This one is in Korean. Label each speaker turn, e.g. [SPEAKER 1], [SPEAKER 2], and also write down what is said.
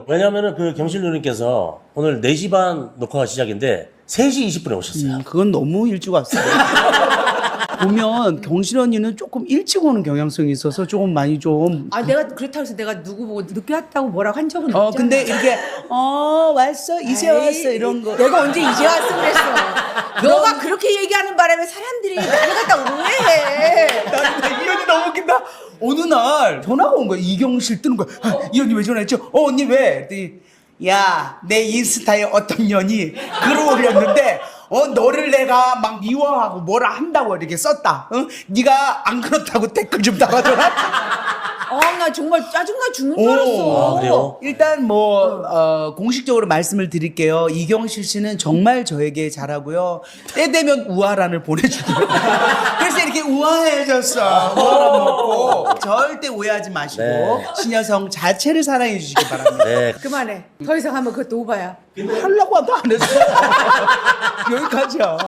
[SPEAKER 1] 왜냐면은 그 경실 누님께서 오늘 4시 반 녹화가 시작인데 3시 20분에 오셨어요.
[SPEAKER 2] 그건 너무 일찍 왔어요. 보면 경실 언니는 조금 일찍 오는 경향성이 있어서 조금 많이 좀.
[SPEAKER 3] 아 내가 그렇다고 해서 내가 누구 보고 늦게 왔다고 뭐라고 한 적은 없잖아.
[SPEAKER 2] 근데 이렇게 왔어 이제 왔어 이런 거.
[SPEAKER 3] 내가 언제 이제 왔어 그랬어. 너가 그렇게 얘기하는 바람에 사람들이 나를 갖다 오해해.
[SPEAKER 2] 나는 이 언니 너무 웃긴다. 어느 날 전화가 온 거야. 이경실 뜨는 거야. 이 언니 왜 전화했죠? 언니 왜? 그랬더니 야, 내 인스타에 어떤 년이 글을 올렸는데 너를 내가 막 미워하고 뭐라 한다고 이렇게 썼다. 네가 안 그렇다고 댓글 좀 달아줘라.
[SPEAKER 3] 나 정말 짜증나 죽는 줄 알았어.
[SPEAKER 1] 아, 그래요?
[SPEAKER 2] 일단 공식적으로 말씀을 드릴게요. 이경실 씨는 정말 저에게 잘하고요. 때 되면 우아란을 보내주고요. 그래서 이렇게 우아해졌어. 우아란 먹고 절대 오해하지 마시고
[SPEAKER 1] 네.
[SPEAKER 2] 신여성 자체를 사랑해 주시기 바랍니다.
[SPEAKER 1] 네.
[SPEAKER 3] 그만해. 더 이상 하면 그것도 오바야.
[SPEAKER 2] 하려고 하도 안 했어. 여기까지야.